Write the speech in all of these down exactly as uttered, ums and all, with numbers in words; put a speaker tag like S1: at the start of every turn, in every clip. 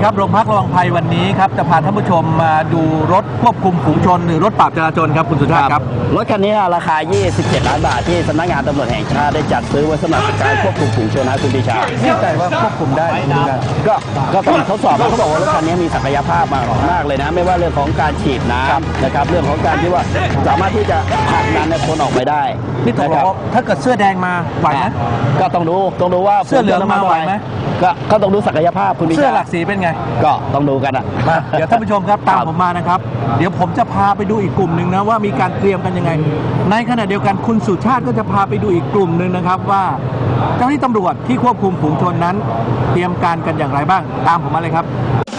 S1: ครับโรงพักระวังภัยวันนี้ครับจะพาท่านผู้ชมมาดูรถควบคุมฝูงชนหรือรถปราบจราจรครับคุณสุชาติครับ
S2: รถคันนี้ราคายี่สิบเจ็ดล้านบาทที่สำนักงานตำรวจแห่งชาติได้จัดซื้อไว้สำหรับการควบคุมฝูงชนนะคุณปีชา
S1: แน่ใจว่าควบคุมได้
S2: ก็ก็ต้องทดสอบเขาบอกว่ารถคันนี้มีศักยภาพมากมากเลยนะไม่ว่าเรื่องของการฉีดน้ำนะครับเรื่องของการที่ว่าสามารถที่จะผลักดันคนออกไปได้
S1: นี่ตกลงถ้าเกิดเสื้อแดงมาไหวไหม
S2: ก็ต้องดูต้องดูว่า
S1: เสื้อเหลืองมาไหวไหม
S2: ก็ก็ต้องดูศักยภาพคุณปีชา
S1: เสื้อหลักสีเป็นไง
S2: ก็ต้องดูกันอ่ะ
S1: เดี๋ยวท่านผู้ชมครับตามผมมานะครับเดี๋ยวผมจะพาไปดูอีกกลุ่มหนึ่งนะว่ามีการเตรียมกันยังไงในขณะเดียวกันคุณสุชาติก็จะพาไปดูอีกกลุ่มหนึ่งนะครับว่าเจ้าหน้าที่ตำรวจที่ควบคุมฝูงชนนั้นเตรียมการกันอย่างไรบ้างตามผมมาเลยครับ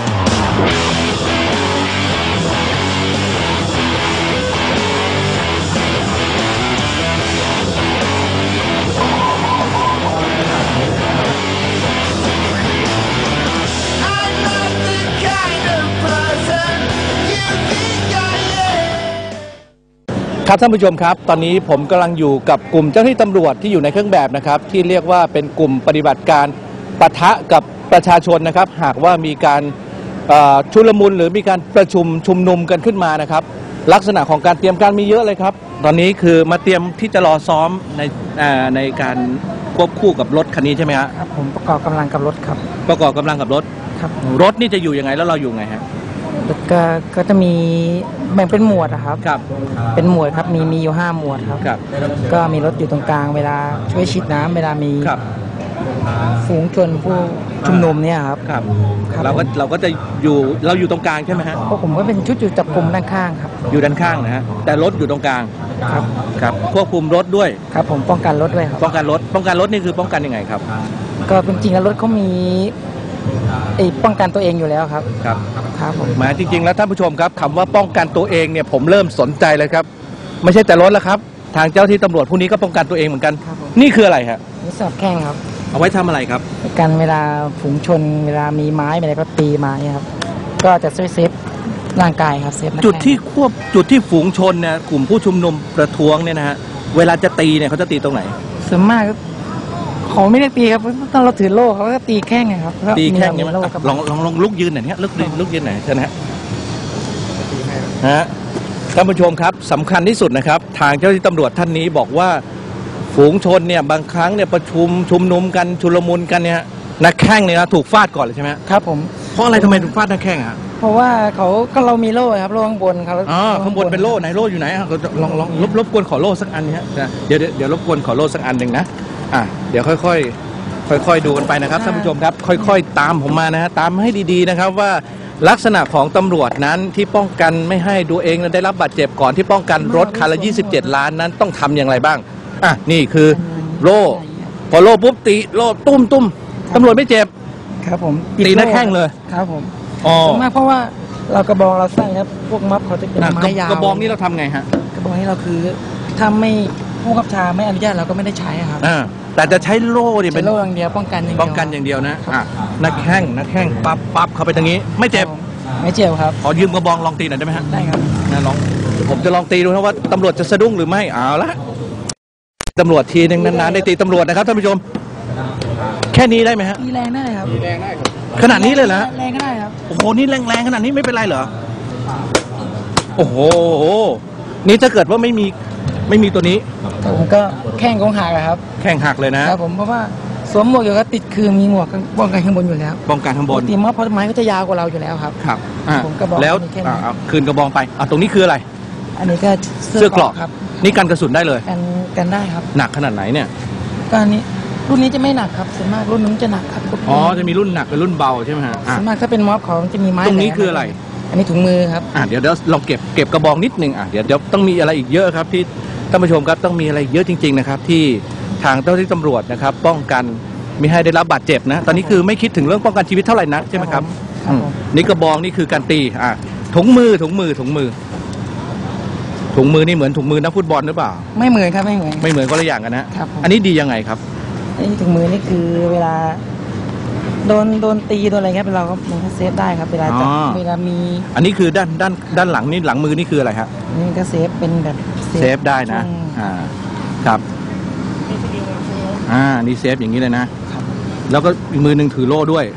S1: ครับท่านผู้ชมครับตอนนี้ผมกำลังอยู่กับกลุ่มเจ้าหน้าที่ตำรวจที่อยู่ในเครื่องแบบนะครับที่เรียกว่าเป็นกลุ่มปฏิบัติการปะทะกับประชาชนนะครับหากว่ามีการชุลมุนหรือมีการประชุมชุมนุมกันขึ้นมานะครับลักษณะของการเตรียมการมีเยอะเลยครับตอนนี้คือมาเตรียมที่จะรอซ้อมในในการควบคู่กับรถคันนี้ใช่ไหมครับ
S3: ผมประกอบกำลังกับรถครับ
S1: ประกอบกำลังกับรถ
S3: ครับ
S1: รถนี่จะอยู่ยังไงแล้วเราอยู่ไงฮะ
S3: ก็ก็จะมีแบ่งเป็นหมวดนะครับ
S1: ครับ
S3: เป็นหมวดครับมีมีอยู่ห้าหมวดครับ
S1: ครับ
S3: ก็มีรถอยู่ตรงกลางเวลาช่วยฉีดน้ำเวลามีฝูงชนผู้ชุมนุมเนี่ยครับ
S1: ครับเราก็เราก็จะอยู่เราอยู่ตรงกลางใช่ไหมฮะ
S3: เพราะผมก็เป็นชุดอยู่จับกลุ่มด้านข้างครับ
S1: อยู่ด้านข้างนะฮะแต่รถอยู่ตรงกลาง
S3: ครับ
S1: ครับควบคุมรถด้วย
S3: ครับผมป้องกันรถด้วยครับ
S1: ป้องกันรถป้องกันรถนี่คือป้องกันยังไงครับ
S3: ก็จริงๆแล้วรถเขามีไอ้ป้องกันตัวเองอยู่แล้วครับ
S1: ครับ
S3: ครับผม
S1: มาจริงๆแล้วท่านผู้ชมครับคำว่าป้องกันตัวเองเนี่ยผมเริ่มสนใจเลยครับไม่ใช่แต่รถแล้วครับทางเจ้าที่ตำรวจผู้นี้ก็ป้องกันตัวเองเหมือนกันนี่คืออะไรฮะ
S3: นี่สอบแข้งครับ
S1: เอาไว้ทำอะไรครับ
S3: กันเวลาฝูงชนเวลามีไม้อะไรก็ตีมาเนี่ยครับก็จะช่วยเซฟร่างกายครับเซฟ
S1: จุดที่ควบจุดที่ฝูงชนเนี่ยกลุ่มผู้ชุมนุมประท้วงเนี่ยนะฮะเวลาจะตีเนี่ยเขาจะตีตรงไหน
S3: ส่วนมากเขาไม่ได้ตีครับตอนเราถือโล่เขาก็ตีแข้งไงครับ
S1: ตีแข้งเนี่ยลองลองลองลุกยืนหน่อยเนี่ยลุกลุกยืนหน่อยใช่ไหมฮะฮะท่านผู้ชมครับสำคัญที่สุดนะครับทางเจ้าหน้าที่ตำรวจท่านนี้บอกว่าฝูงชนเนี่ยบางครั้งเนี่ยประชุมชุมนุมกันชุลมุนกันเนี่ยนักแข้งเนี่ยนะถูกฟาดก่อนเลยใช่ไหม
S3: ครับผม
S1: เพราะอะไรทำไมถูกฟาดนักแข้งอ่ะ
S3: เพราะว่าเขาก็เรามีโล่ครับโล่ข้างบนเขา
S1: อ๋อข้างบนเป็นโล่ไหนโล่อยู่ไหนลองลองรบรบกวนขอโล่สักอันนี้ฮะเดี๋ยวเดี๋ยวรบกวนขอโล่สักอันหนึ่งนะอ่ะเดี๋ยวค่อยๆค่อยๆดูกันไปนะครับท่านผู้ชมครับค่อยๆตามผมมานะฮะตามให้ดีๆนะครับว่าลักษณะของตำรวจนั้นที่ป้องกันไม่ให้ตัวเองได้รับบาดเจ็บก่อนที่ป้องกันรถคันละยี่สิบเจ็ดล้านนั้นต้องทำอย่างไรบ้างอ่ะนี่คือโล่พอโล่ปุ๊บตีโล่ตุ้มตุ้มตำรวจไม่เจ็บ
S3: ครับผม
S1: ตีหน้าแข้งเลย
S3: ครับผม
S1: อ๋อ
S3: มากเพราะว่าเรากระบองเราใส่ครับพวกม็อบเขาจะเป็นไม้ยาว
S1: กระบองนี่เราทำไงฮะ
S3: กระบองนี้เราคือถ้าไม่ผู้ขับชาไม่อนุญาตเราก็ไม่ได้ใช้ครับ
S1: อ่าแต่จะใช้โล่เนี่ย
S3: เป็นโล่อย่างเดียวป้องกันอย่างเดียว
S1: ป้องกันอย่างเดียวนะอ่ะหน้าแข้งหน้าแข้งปั๊บปั๊บเข้าไปตรงนี้ไม่เจ็บ
S3: ไม่เจ็บครับ
S1: ขอยืมกระบองลองตีหน่อยได้ไหมฮะ
S3: ได้ครับ
S1: นะลองผมจะลองตีดูนะว่าตำรวจจะสะดุ้งหรือไม่เอาละตำรวจทีนึงนานๆได้ตีตำรวจนะครับท่านผู้ชมแค่นี้ได้ไหมฮะ
S3: ตีแรงได้ครับ
S1: ตีแรงได้ขนาดนี้เลยเหรอ
S3: แรงก็ได้ครับ
S1: โอ้โหนี่แรงๆขนาดนี้ไม่เป็นไรเหรอโอ้โหนี่ถ้าเกิดว่าไม่มีไม่มีตัวนี้
S3: ผมก็แข้งของหักครับ
S1: แข้งหักเลยนะครับ
S3: ผมเพราะว่าสวมหมวกอยู่ก็ติดคือมีหมวกป้องกันข้างบนอยู่แล้ว
S1: ป้องกันข้างบน
S3: ตีม็อบเพราะไม้ก็จะยาวกว่าเราอยู่แล้วครับ
S1: ครับ
S3: ผมก็บอก
S1: แล้วคืนกระบองไปอ่ะตรงนี้คืออะไร
S3: อันนี้ก็
S1: เสื้อเกราะครับนี่กันกระสุนได้เลย
S3: กันกันได้ครับ
S1: หนักขนาดไหนเนี่ย
S3: ก็อันนี้รุ่นนี้จะไม่หนักครับส่วนมากรุ่นนู้นจะหนักครับ
S1: อ๋อจะมีรุ่นหนักกับรุ่นเบาใช่ไหมฮะ
S3: ส่วนมากถ้าเป็นม็อบเขาจะมีไม้
S1: ตรงนี้คืออะไร
S3: อันนี้ถุงมือครับ
S1: อ่ะเดี๋ยวเดี๋ยวลองเก็บเก็บกระบองนิดนึงอ่ะเดี๋ยวเดี๋ยวต้องมีอะไรอีกเยอะครับที่ท่านผู้ชมครับต้องมีอะไรเยอะจริงๆนะครับที่ทางเจ้าหน้าที่ตำรวจนะครับป้องกันไม่ให้ได้รับบาดเจ็บนะตอนนี้คือไม่คิดถึงเรื่องป้องกันชีวิตเท่าไหร่นักใช่ไหมครับนี่กระบองนี่คือการตีอ่ะถุงมือถุงมือถุงมือถุงมือนี่เหมือนถุงมือนักฟุตบอลหรือเปล่า
S3: ไม่เหมือนครับไม่เหมือน
S1: ไม่เหมือนก็ละอย่างกันนะอันนี้ดียังไงครับ
S3: อันนี้ถุงมือนี่คือเวลาโดนโดนตีโดนอะไรครับเราก็มันก็เซฟได้ครับเวลาจะเวลามี
S1: อันนี้คือด้านด้านด้านหลังนี่หลังมือนี่คืออะไรครับ
S3: นี่ก็เซฟเป็นแบบ
S1: เซฟได้นะอ่าครับอ่านี่เซฟอย่างนี้เลยนะแล้วก็อีกมือหนึ่งถือโล่ด้วย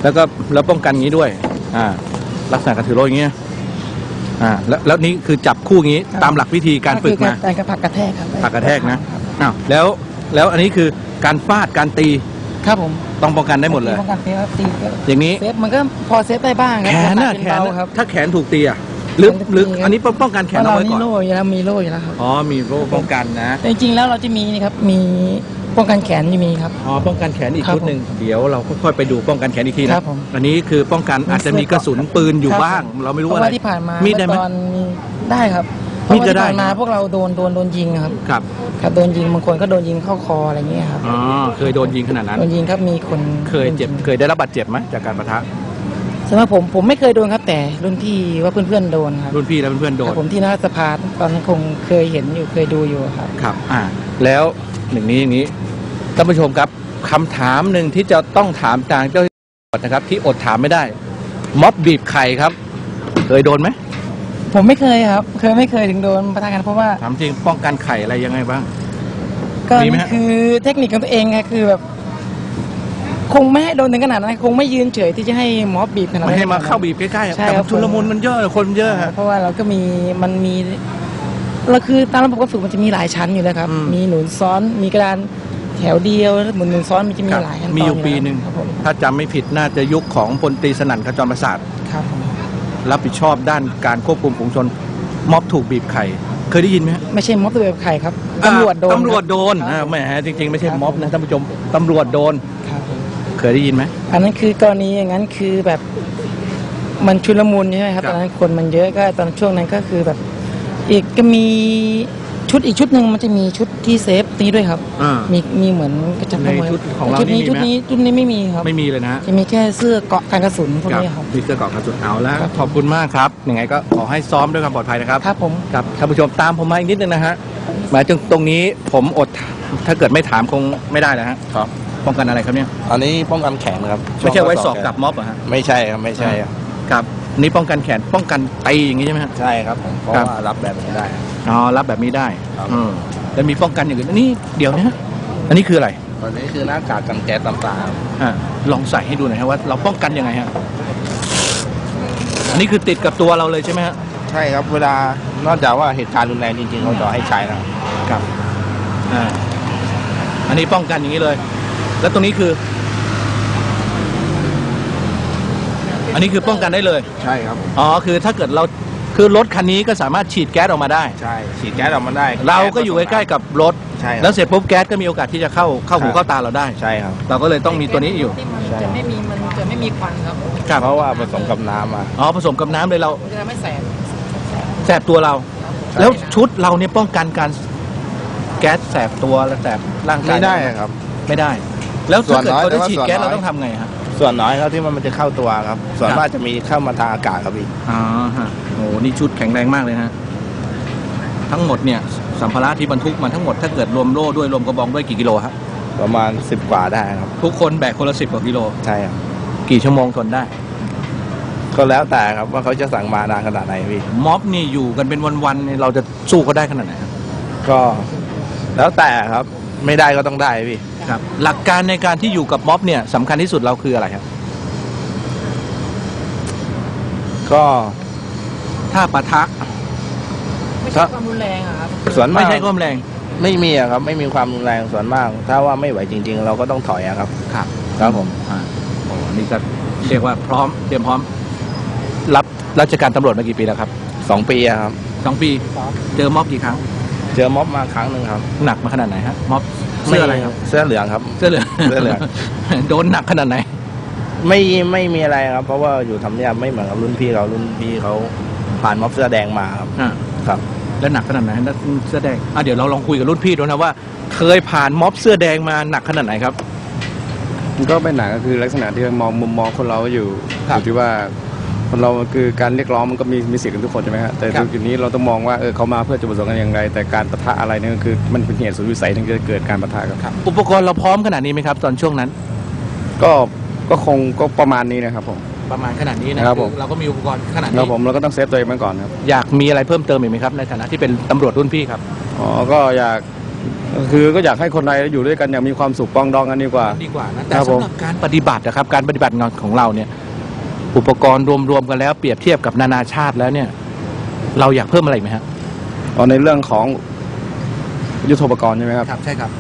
S1: แล้วก็แล้วป้องกันงี้ด้วยอ่าลักษณะการถือโล่อย่างเงี้ยอ่าแล้วแล้วนี้คือจับคู่อย่างงี้ตามหลักวิธีการฝึกมา
S3: การกระผักกระแทกครับ
S1: ผลักกระแทกนะอ้าวแล้วแล้วอันนี้คือการฟาดการตี
S3: ครับผม
S1: ต้องป้องกันได้หมดเลย
S3: ป้องกันเซฟครับตีก็
S1: อย่างนี้
S3: เซฟมันก็พอเซฟได้บ้างครั
S1: แขน
S3: แต่
S1: น่ะ
S3: เป็
S1: แขน
S3: เบา
S1: น่ะ
S3: ครับ
S1: ถ้าแขนถูกตีอ่ะหรือหรืออันนี้ป้องกันแขน
S3: เพ
S1: เอา
S3: ราะเรา
S1: ไว้
S3: นี่
S1: ก่อน
S3: โล่อยู่แล้วมีโล่อยู่แล้วครับ
S1: อ๋อมีโล่ป้องกันนะ
S3: แต่จริงๆแล้วเราจะมีนี่ครับมีป้องกันแขนจะมีครับ
S1: อ๋อป้องกันแขนอีก
S3: ครับ
S1: ชุดหนึ่งเดี๋ยวเราค่อยๆไปดูป้องกันแขนอีกที
S3: ค
S1: นะ
S3: รับผม
S1: อันนี้คือป้องกันอาจจะมีกระสุนปืนอยู่
S3: ครับ
S1: บ้าง เราไม่รู้
S3: เพราะ
S1: อะไร
S3: ว่าที่ผ่านมา
S1: มีดได้ไหม
S3: เอตอนมีได้ครับ
S1: มีดจะได้
S3: เพราะว่าที่ผ่านมาพวกเราโดนโดนโดนยิงครับ
S1: ครับ
S3: ครับโดนยิงบางคนก็โดนยิงเข้าคออะไรเงี้ยครับ
S1: อ๋อเคยโดนยิงขนาดนั้น
S3: โดนยิงครับมีคน
S1: เคยเจ็บเคยได้รับบาดเจ็บไหมจากการปะทะ
S3: สำหรับผมผมไม่เคยโดนครับแต่รุ่นพี่ว่าเพื่อนๆโดนครับ
S1: รุ่นพี่และเพื่อนๆโด
S3: ครั
S1: น
S3: บผมที่นักสภาตอนนั้นคงเคยเห็นอยู่เคยดูอยู่ครับ
S1: ครับ อ่า แล้วหนึ่งนี้อย่างนี้ ท่านผู้ชมครับคำถามหนึ่งที่จะต้องถามทางเจ้าหน้าที่ตำรวจนะครับ ที่อดถามไม่ได้ ม็อบบีบไข่ครับ เคยโดนไหม
S3: ผมไม่เคยครับ เคยไม่เคยถึงโดนประทะกันเพราะว่า
S1: ถามจริงป้องกันไข่อะไรยังไงบ้าง
S3: ก็
S1: มีไหม
S3: นี่
S1: ฮะ
S3: คือเทคนิคของตัวเองไงคือแบบ คงไม่ให้โดนถึงขนาดนั้นคงไม่ยืนเฉยที่จะให้ม็อบบีบขนาดนั้น
S1: ไม่ให้มาเข้าบีบใกล้ๆอะ
S3: ใช่
S1: แต่
S3: ครับ
S1: ชุลมุนมันเยอะคนเยอะฮะ
S3: เพราะว่าเราก็มีมันมีเราคือตามระบบการฝึกมันจะมีหลายชั้นอยู่แล้วครับ
S1: อืม
S3: มีหนุนซ้อนมีกระดานแถวเดียวแล้วหมุนหนุนซ้อนมันจะมี
S1: ครับ
S3: หลายขั้นตอน
S1: มีอยู่ปีหนึ่ง
S3: ครับผม
S1: ถ้าจำไม่ผิดน่าจะยุคของพลตรีสนั่นขจรประสาท
S3: ครับผม
S1: รับผิดชอบด้านการควบคุมฝูงชน ม็อบถูกบีบไข่ เคยได้ยินไหมฮะ
S3: ไม่ใช่ม็อบตัวแบบใครครับตำรวจโดน
S1: ตำรวจโดน
S3: ครับ
S1: อ่าแหมจริง ๆ ไม่ใช่
S3: ครับ
S1: ม็อบนะท่านผู้ชมตำรวจโดน
S3: ครับผม
S1: เคยได้ยินไหม
S3: อันนั้นคือกรณีอย่างนั้นคือแบบมันชุลมุนใช่ไหมครับ
S1: ครับ
S3: ตอนนั้นคนมันเยอะก็ตอนช่วงนั้นก็คือแบบ อีกก็มีชุดอีกชุดหนึ่งมันจะมีชุดที่เซฟนี้ด้วยครับ
S1: อ่า
S3: มีมีเหมือนกระจับ
S1: ในชุดของเรา
S3: ชุดนี้
S1: นี่
S3: ชุด
S1: มีไหม
S3: นี้ชุดนี้ไม่มีครับ
S1: ไม่มีเลยนะฮะ
S3: จะมีแค่เสื้อเกราะกันกระสุนพวกนี้ครับ
S1: มีเสื้อเกราะกระสุนเอาแล้ว
S3: ครับ
S1: ขอบคุณมากครับยังไงก็ขอให้ซ้อมด้วยความปลอดภัยนะครับ
S3: ครับผม
S1: ครับท่านผู้ชมตามผมมาอีกนิดนึงนะฮะหมายถึงตรงนี้ผมอดถ้าเกิดไม่ถามคงไม่ได้นะฮะ
S2: ครับ
S1: ป้องกันอะไรครับเนี่ย
S2: อันนี้ป้องกันแขนครับ
S1: ไม่ใช่ไว้สอบกับม็อบเหรอฮะ
S2: ไม่ใช่ครับไม่ใช่ครับ
S1: ครับนี่ป้องกันแขนป้องกันตีอย่างนี้ใช่ไหมฮะ
S2: ใช่ครับผมเพราะ
S1: ครับ
S2: ว่ารับแบบนี้ได้
S1: อ๋อรับแบบนี้ได้
S2: ครับ
S1: อืมแล้วมีป้องกันอย่างอื่นอันนี้เดี๋ยวนะฮะอันนี้คืออะไร
S2: ตอนนี้คือหน้ากากกันแก๊สต่าง
S1: อ่าลองใส่ให้ดูหน่อยฮะว่าเราป้องกันยังไงฮะอันนี้คือติดกับตัวเราเลยใช่ไหมฮะ
S2: ๆใช่ครับเวลานอกจากว่าเหตุการณ์รุนแรงจริงๆเขาจะให้ใช้นะครับ
S1: ครับอ่าอันนี้ป้องกันอย่างนี้เลย แล้วตรงนี้คือ อันนี้คือป้องกันได้เลย
S2: ใช่ครับ
S1: อ๋อคือถ้าเกิดเราคือรถคันนี้ก็สามารถฉีดแก๊สออกมาได้
S2: ใช่ฉีดแก๊สออกมาได้
S1: เราก็อยู่ใกล้ๆกับรถ
S2: ใช่ครับ
S1: แล้วเสร็จปุ๊บแก๊สก็มีโอกาสที่จะเข้าเข้าหู
S2: ครับ
S1: เข้าตาเราได้
S2: ใช่ครับ
S1: เราก็เลยต้องมีตัวนี้อยู่
S3: ที่มันจะไม่มีมันจะไม่มีควันครับ
S1: ครับ
S2: เพราะว่าผสมกับน้ำมา
S1: อ๋อผสมกับน้ำเลยเรา
S3: มันจะทำให้แสบ
S1: แสบตัวเรา แล้วชุดเราเนี่ยป้องกันการแก๊สแสบตัวและแสบร่างกาย
S2: ไม่ได้ครับ
S1: ไม่ได้ แล้วถ้าเกิด
S2: ส่วนน้อย
S1: เขาได้
S2: แต่ว่า
S1: ฉีด
S2: ส่วน
S1: แก๊ส
S2: น้อย
S1: เราต้องทำไงฮะ
S2: ส่วนน้อยครับที่มันจะเข้าตัวครับ ส่วน
S1: ครับ
S2: มากจะมีเข้ามาทางอากาศครับพี่
S1: อ๋อฮะโอ้นี่ชุดแข็งแรงมากเลยฮะทั้งหมดเนี่ยสัมภาระที่บรรทุกมาทั้งหมดถ้าเกิดรวมโล่ด้วยรวมกระบองด้วยกี่กิโลฮะ
S2: ประมาณสิบกว่าได้ครับ
S1: ทุกคนแบกคนละสิบกว่ากิโล
S2: ใช่ครับ
S1: กี่ชั่วโมงทนได้
S2: ก็แล้วแต่ครับว่าเขาจะสั่งมานานขนาดไหนพี่
S1: ม็อบนี่อยู่กันเป็นวันๆเนี่ยเราจะสู้เขาได้ขนาดไหนครับ
S2: ก็แล้วแต่ครับไม่ได้ก็ต้องได้พี่
S1: ครับ หลักการในการที่อยู่กับม็อบเนี่ยสำคัญที่สุดเราคืออะไรครับ
S2: ก็
S1: ถ้าปะทะ
S3: ไม่ใช่ความรุนแรงอะครับ
S2: ส่วนมา
S1: ไม่
S2: ก
S1: ใช่ความแรง
S2: ไม่มีอะครับไม่มีความรุนแรงส่วนมาก ถ้าว่าไม่ไหวจริง ๆ เราก็ต้องถอยอะครับ
S1: ครับ
S2: ครับผม
S1: อ่าโอ้นี่ก็เรียกว่าพร้อมเตรียมพร้อม รับราชการตำรวจมากี่ปีแล้วครับ
S2: สองปีอะครับ
S1: สองปี เจอม็อบกี่ครั้ง
S2: เจอม็อบมาครั้งหนึ่งครับ
S1: หนักมาขนาดไหนฮะม็อบเสื้ออะไรครับ
S2: เสื้อเหลืองครับ
S1: เสื้อเหลือง
S2: เสื้อเหลือง
S1: โดนหนักขนาดไหน
S2: ไม่ไม่มีอะไรครับ เพราะว่าอยู่ทำเนียบไม่เหมือนกับรุ่นพี่เขารุ่นพี่เขาผ่านม็อบเสื้อแดงมาครับ
S1: อ่า
S2: ครับ
S1: แล้วหนักขนาดไหนแล้วเสื้อแดงอ่ะเดี๋ยวเราลองคุยกับรุ่นพี่ดูนะว่า เคยผ่านม็อบเสื้อแดงมาหนักขนาดไหนครับ
S4: มันก็เป็นหนังก็คือลักษณะที่มองมุมมองคนเราอยู่
S1: ครับ
S4: อยู่ที่ว่าคนเราคือการเรียกร้องมันก็มีมีสิทธิ์กันทุกคนใช่ไหมฮะแต่
S1: ครับ
S4: จุดนี้เราต้องมองว่าเออเขามาเพื่อจุดประสงค์กันอย่างไร แต่การปะทะอะไรเนี่ยก็คือมันเป็นเหตุสุดวิสัยที่จะเกิดการปะทะกันครับ
S1: อุปกรณ์เราพร้อมขนาดนี้ไหมครับ ตอนช่วงนั้น
S4: ก็ก็คงก็ประมาณนี้นะครับผม
S1: ประมาณขนาดนี้นะครับ
S4: ผม
S1: เราก็มีอุปกรณ์ขนาด
S4: เรา
S1: นี้
S4: ผมเราก็ต้องเซฟตัวเองไว้ก่อนครับ
S1: อยากมีอะไรเพิ่มเติมอีกไหมครับในฐานะที่เป็นตำรวจรุ่นพี่ครับ
S4: อ๋อก็อยากคือก็อยากให้คนไทยอยู่ด้วยกันอย่างมีความสุขปรองดองกันดีกว่า
S1: ดีกว่านะแต่
S4: ครับผม
S1: สำหรับการปฏิบัตินะครับการปฏิบัติงานของเราเนี่ยอุปกรณ์รวมๆกันแล้วเปรียบเทียบกับนานาชาติแล้วเนี่ยเราอยากเพิ่มอะไรไหมครับ
S4: เอาในเรื่องของยุทโธปกรณ์ใช่ไหมครับ
S1: ครับใช่ครับ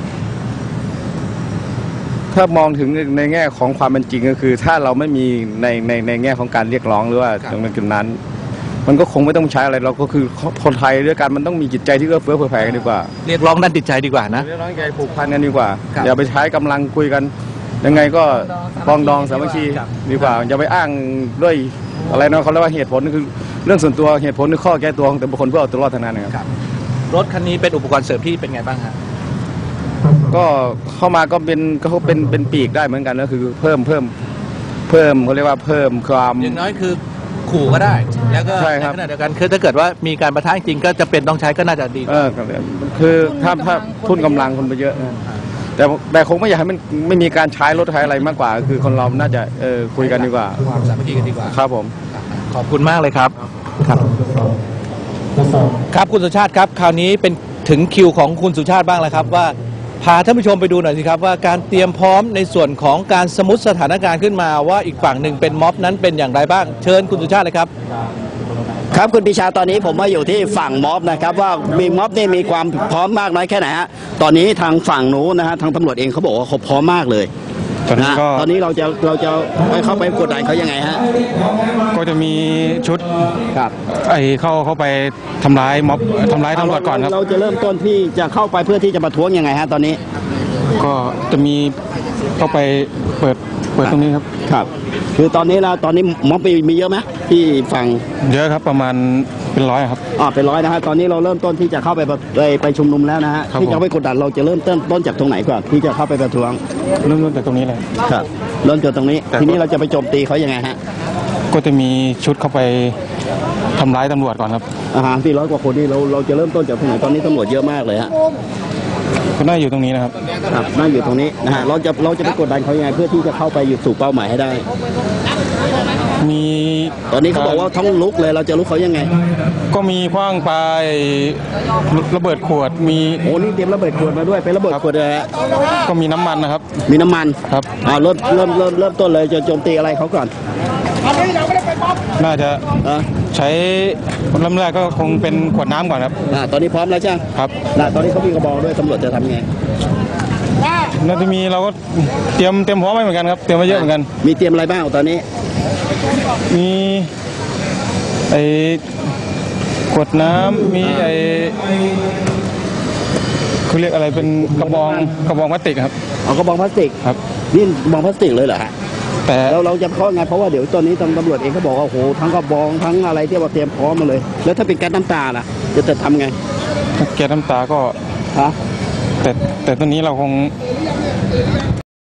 S4: ถ้ามองถึงในแง่ของความเป็นจริงก็คือ ถ้าเราไม่มีในในในแง่ของการเรียกร้องหรือว่า
S1: ครับ
S4: ตรงนั้น มันก็คงไม่ต้องใช้อะไรเราก็คือคนไทยด้วยกันมันต้องมีจิตใจที่เอื้อเฟื้อเผื่อแผ่กันดีกว่า
S1: เรียกร้องด้านจิตใจดีกว่านะ
S4: เรียกร้องใจผูกพันกันดีกว่า
S1: ครับ
S4: อย่าไปใช้กำลังคุยกัน ยังไงก็ปรองดองสามัคคี
S1: ครับ
S4: ดีกว่า อย่าไปอ้างด้วยอะไรนะเขาเรียกว่าเหตุผลคือเรื่องส่วนตัวเหตุผลคือข้อแก้ตัวของแต่บุคคลเพื่อเอาตัวรอดทางนั้นนะครับ
S1: รถคันนี้เป็นอุปกรณ์เสริมที่เป็นไงบ้างฮะ
S4: ก็เข้ามาก็เป็นก็เป็นเป็นปีกได้เหมือนกันก็คือเพิ่มเพิ่มเพิ่มเขาเรียกว่าเพิ่มความ
S1: อย่างน้อยคือขู่ก็ได้ แล้วก็
S4: ใช่
S1: ใน
S4: ครับ
S1: ขณะเดียวกันคือถ้าเกิดว่ามีการประทะจริงก็จะเป็นต้องใช้ก็น่าจะดี
S4: เออครับคือถ้าถ้าทุนกำลังคนไปเยอะนะแต่แต่คงไม่อยากให้มันไม่มีการใช้รถใช้อะไรมากกว่า คือคนเราน่าจะเออคุยกันดีกว่า
S1: ความสามัคคีกันดีกว่า
S4: ครับผม
S1: ขอบคุณมากเลยครับ ครับ ครับคุณสุชาติครับ คราวนี้เป็นถึงคิวของคุณสุชาติบ้างแล้วครับว่าพาท่านผู้ชมไปดูหน่อยสิครับว่าการเตรียมพร้อมในส่วนของการสมมติสถานการณ์ขึ้นมาว่าอีกฝั่งหนึ่งเป็นม็อบนั้นเป็นอย่างไรบ้าง เชิญคุณสุชาติเลยครับ
S2: ครับคุณปิชาตอนนี้ผมมาอยู่ที่ฝั่งม็อบนะครับว่ามีม็อบนี่มีความพร้อมมากน้อยแค่ไหนฮะตอนนี้ทางฝั่งนู้นนะฮะทางตำรวจเองเขาบอกว่าเขาพร้อมมากเลย
S5: ตอนนี้
S2: นะ
S5: ก็
S2: ตอนนี้เราจะเราจะไปเข้าไปกดดันเขายังไงฮะ
S5: ก็จะมีชุด
S2: ครับ
S5: ไอ้เข้าเข้าไปทำร้ายม็อบทำร้ายตำรวจก่อนครับ
S2: เราจะเริ่มต้นที่จะเข้าไปเพื่อที่จะประท้วงยังไงฮะตอนนี้
S5: ก็จะมีเข้าไปเปิดเปิดตรงนี้ครับ
S2: ครับ คือตอนนี้นะตอนนี้ม็อบมีมีเยอะไหมที่ฝั่ง
S5: เยอะครับประมาณเป็นร้อยครับ
S2: อ่าเป็นร้อยนะฮะตอนนี้เราเริ่มต้นที่จะเข้าไปประไปไปชุมนุมแล้วนะฮะ
S5: ครับ
S2: ที่จะ
S5: ผม
S2: ไปกดดันเราจะเริ่มต้นต้นจากตรงไหนก่อนที่จะเข้าไปประท้วง
S5: เริ่มต้นจากตรงนี้เลย
S2: ครับเริ่มจากตรงนี้
S5: แต่
S2: ทีนี้เราจะไปโจมตีเขายังไงฮะ
S5: ก็จะมีชุดเข้าไปทำร้ายตำรวจก่อนครับ
S2: อาหารที่ร้อยกว่าคนนี่เราเราจะเริ่มต้นจากตรงไหนตอนนี้ตำรวจเยอะมากเลยฮะ
S5: ก็น่าอยู่ตรงนี้นะครับ
S2: ครับนั่งอยู่ตรงนี้นะฮะเราจะเราจะไปกดดันเขายังไงเพื่อที่จะเข้าไปอยู่สู่เป้าหมายให้ได้
S5: มี
S2: ตอนนี้เขาบอกว่าท้องลุกเลยเราจะลุกเขายังไง
S5: ก็มีขว้างปลาไอ้ระเบิดขวดมี
S2: โอ้นี่เตรียมระเบิดขวดมาด้วยเป็นระเบิดขวดเลยฮะ
S5: ก็มีน้ำมันนะครับ
S2: มีน้ำมัน
S5: ครับ
S2: อ่าเริ่มเริ่มเริ่มเริ่มต้นเลยจะโจมตีอะไรเขาก่อน
S5: น่าจะ
S2: อ่า
S5: ใช้เริ่มแรกก็คงเป็นขวดน้ำก่อนครับ
S2: อ่าตอนนี้พร้อมแล้วใช่ไหม
S5: ครับ
S2: นะตอนนี้เขามีกระบอกด้วยตำรวจจะทำไง
S5: น่าจะมีเราก็เตรียมเตรียมพร้อมไว้เหมือนกันครับเตรียมไว้เยอะเหมือนกัน
S2: มีเตรียมอะไรบ้างตอนนี้
S5: มีไอ้ขวดน้ำมีไอ้เขาเรียกอะไรเป็นกระบองกระบองพลาสติกครับ
S2: เอากระบอกพลาสติก
S5: ครับ
S2: นี่กระบอกพลาสติกเลยเหรอฮะ
S5: แต่
S2: แล้วเราจะเข้าไงเพราะว่าเดี๋ยวตอนนี้ตำรวจเองเขาบอกว่าโอ้โหทั้งกระบองทั้งอะไรที่ว่าเตรียมพร้อมมาเลย แล้วถ้าเป็นแก๊สน้ำตาล่ะจะจะทำไง
S5: แก๊สน้ำตาก็
S2: ฮะ
S5: แต่แต่ตอนนี้เราคง